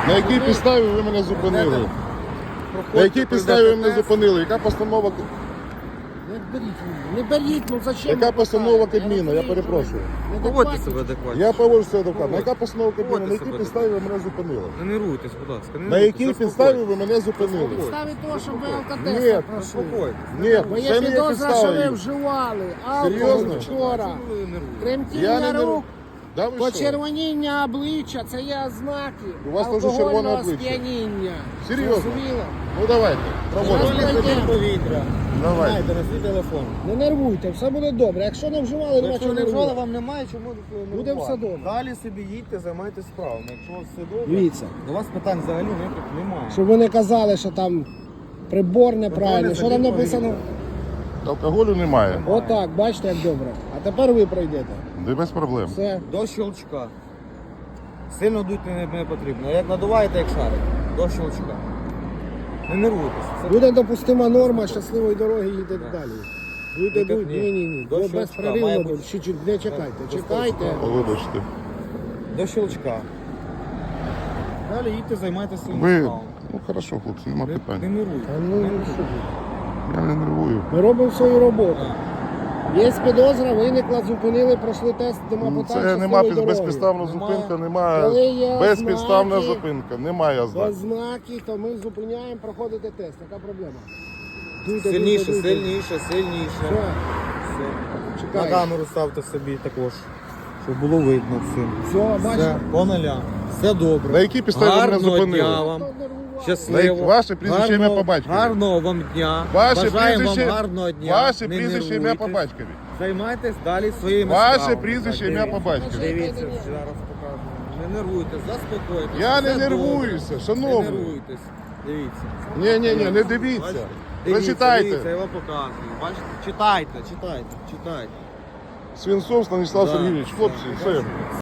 На якій підставі ви мене зупинили? На якій підставі ви мене зупинили? Яка постанова? Не беріть, ну зачем? Яка постанова Кабміну? Я перепрошую. Поводьте себе адекватно. Я поводжу себе адвокатом. Яка постанова Кабміну? На якій підставі ви мене зупинили? Не нервуйтесь, будь ласка. На якій підставі ви мене зупинили? Підставі того, щоб ви Ні, алкотестер пройшли. Заспокойтесь. Ні, Бо є це не є підозра, що ви підстава. вживали алкоголь Серйозно? вчора. Ви нервуєтесь. Я Тремтіння не нервую. рук, Да ви що? почервоніння обличчя, це є ознаки У вас теж червоне алкогольного обличчя. сп'яніння. Серйозно? Зрозуміло? Ну давайте, проводимо. Повітря. Давайте. Дайте на свій телефон. Не нервуйте, все буде добре. Якщо не вживали, нема Якщо чого не вживали, нервувати. вам немає чому нервувати. Буде все добре. Далі собі їдьте, займайтесь справами. Якщо у вас все добре, Дивіться. до вас питань взагалі ніяких немає. Щоб ви не казали, що там прибор неправильний. Що там написано? Алкоголю немає. Отак, бачите, як добре. А тепер ви пройдете. Не без проблем. Все. До щелчка. Сильно дуть не потрібно. Як надуваєте, як шарик. До щелчка. Не нервуйтесь. Це Буде допустима норма щасливої дороги, їдете далі. Будете Ні, будь, ні. ні. До Бо щелчка, безперервно має буде. бути. Чуть-чуть, не чекайте. До Чекайте. щелчка. Вибачте. до щелчка. Далі їдьте, займайтеся своїм Ви, справами. ну хорошо, хлопці, нема Не питань. нервуйте. Та ну, що ви. Я не нервую. Ми робимо свою роботу. Є підозра, виникла, зупинили, пройшли тест, нема Ну, питань. це нема щасливої дороги. безпідставна Немає. зупинка, Коли немає є безпідставна ознаки, зупинка, немає ознак. Без знаків, то ми зупиняємо, проходите тест. Яка проблема? Дуйте, Сильніше, дуйте, дуйте. сильніше, сильніше. Все, Все. На чекайте. камеру ставте собі також, щоб було видно все. Все, Все, бачите? по нулям. Все добре. На якій підставі ви мене Гарного зупинили? дня вам. Хто нервував? Щасливо. Ваше прізвище, ім'я, по батькові. Гарного вам дня. Ваше Бажаємо прізвище, вам гарного дня. ваше Не прізвище, ім'я по нервуйтесь. батькові. Займайтесь далі своїми Ваше справами. прізвище, Так, ім'я дивіться. по батькові. Дивіться, зараз покажу. Не нервуйтесь, заспокойтесь. Я не Все нервуюся, добре. шановний. Не нервуйтесь. Дивіться. Ні, не дивіться. Бачите? Прочитайте. Дивіться, я вам показую. Бачите? Читайте. Свинцов Станіслав Да, Сергійович, хлопці, все. все.